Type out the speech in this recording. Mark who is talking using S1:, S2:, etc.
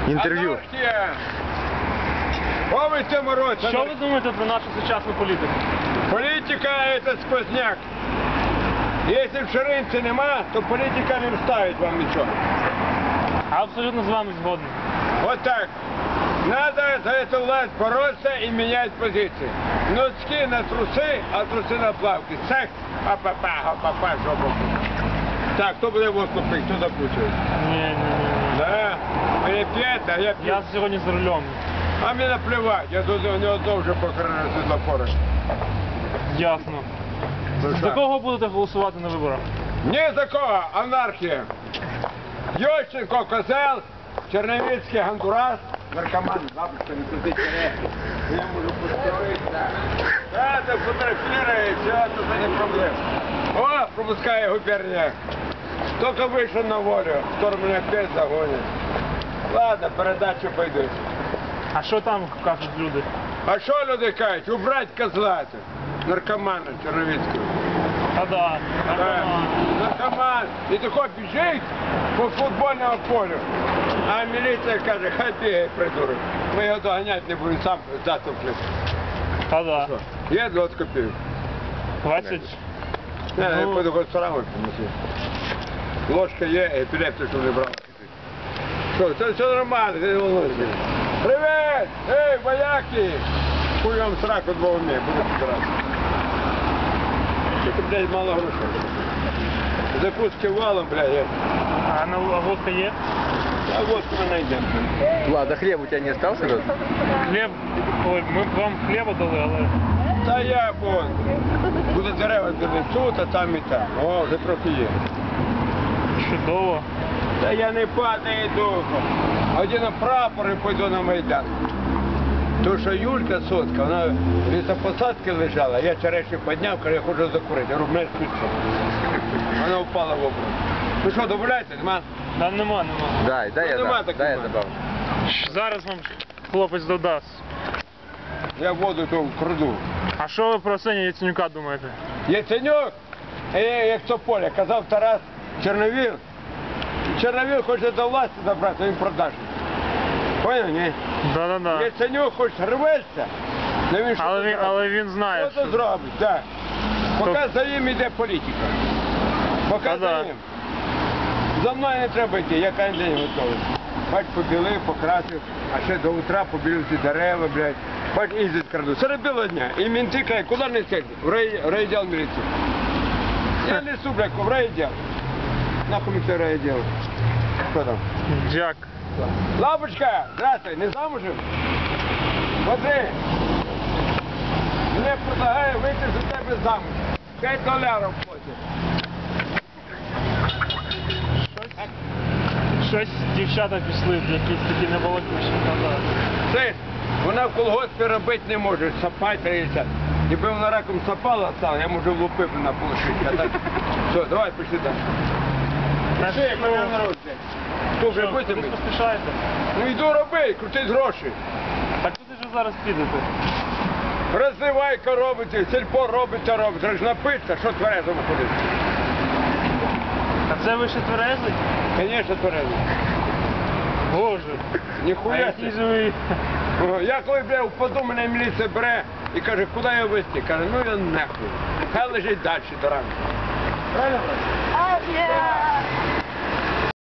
S1: інтерв'ю.
S2: Анархія! О, ви в цьому році!
S3: Що ви думаєте про нашу сучасну політику?
S2: Політика – це сквозняк. Якщо в ширинці нема, то політика не вставить вам нічого.
S3: Абсолютно з вами згоден.
S2: Вот так. Надо за эту власть бороться и менять позиции. Носки на трусы, а трусы на плавки. Секс, а-па-па, жопу. Так, хто буде водку пити, хто закручує?
S3: Ні.
S2: Да, ви п'єте, а я п'ю.
S3: Я сьогодні за рулем.
S2: А мені наплевать, я тут не одно вже покрив світлофори.
S3: Ясно. За кого будете голосувати на виборах?
S2: Ні за кого, анархія. Ющенко, козел, Черновицький, Гондурас, наркоман, бабушка, не туди черехи. Я можу построїтися. Да, це фотографірує, все, це не проблема. О, пропускає губернія. Тільки вийшов на волю, скоро мене опять загонять. Ладно, передачу пойдуть.
S3: А що там кажуть люди?
S2: А що люди кажуть? Убрать козла, наркомана Черновицького.
S3: А да.
S2: Наркоман. І тако біжить по футбольному полю. А міліція каже, хай бігає, придурок. Ми його доганяти не будемо, сам затовклив.
S3: А да.
S2: Є 20 копійок.
S3: 20?
S2: Не, я пойду в ресторан принесу. Ложка є, епілептик, щоб не брав. Що, це все нормально, ти не волнуйся. Привіт! Ей, вояки! Хуй вам сраку двох днів, буду збиратися. Тільки, блядь, мало грошей. Закуски валом, блядь, є.
S3: А на водка є?
S2: А водку ми знайдемо.
S1: Ладно, хлеб у тебя не остался? Рот?
S3: Хліб. Ой, ми вам хліба дали, але...
S2: Та я, буду дерева зробити тут, а там і там. О, вже трохи є.
S3: Чудово.
S2: Та я не падаю духом. Одіну прапор і пойду на Майдан. Тому що Юлька Сотка, вона в лісопосадці лежала, я черешню підняв, каже, я хочу закурити. Я говорю, мене спиться. Вона впала в образ. Ну що, домовляєте, нема?
S3: Да нема.
S1: Дай я
S2: нема
S1: дам.
S2: таких
S1: Дай я
S2: мене.
S1: добавлю.
S3: Зараз вам хлопець додасть.
S2: Я воду то краду.
S3: А що ви про Арсенія Яценюка думаєте?
S2: Яценюк, як Тополя, казав Тарас Чорновіл. Чорновіл хоче до власті забрати, він продажний. Поняв, ні?
S3: Да.
S2: Яценюк хоч рветься, але він що
S3: Але він знає,
S2: що зробить, так. Поки за ним йде політика. Поки
S3: Та
S2: за
S3: да.
S2: ним. За мною не треба йти, я кожен день готовий. Бач, побілив, покрасив, а ще до утра побілив ці дерева, блядь. Бач, їздить краду. Серед білого дня. І менти кажуть, куди не сидять? В райвідділ міліції. Я несу, блядь, в райвідділ. Нахуй ми це райвідділ. Що там?
S3: Дяк.
S2: Лапочка, здравствуй, не замужем? Смотри, мне предлагаю выйти за тебе замуж. $5 платят.
S3: Щось дівчата пішли, якісь такі небалакучі.
S2: Слышь, вона в колгоспі робити не може, сапати треба. Якби вона раком сапала стала, я можу влупив на полушити. А так, все, давай, пішли далі. Пішли, як мене народжує. Хто вже
S3: Ви
S2: будете?
S3: поспішаєте?
S2: Ну йду робити, крутить гроші.
S3: Так куди ж ви зараз підете?
S2: Розвивайка робите, сільпо робите. Треба ж напитися, що тверезому ходити.
S3: А це ви ще тверезий?
S2: Звісно, тверезий.
S3: Боже. А
S2: Ніхуя.
S3: який же ви...
S2: Я коли, бля, впаду, мене міліція бере і каже, куди я везти? Каже, ну я нахуй. Хай лежить далі до ранку. Правильно, брат?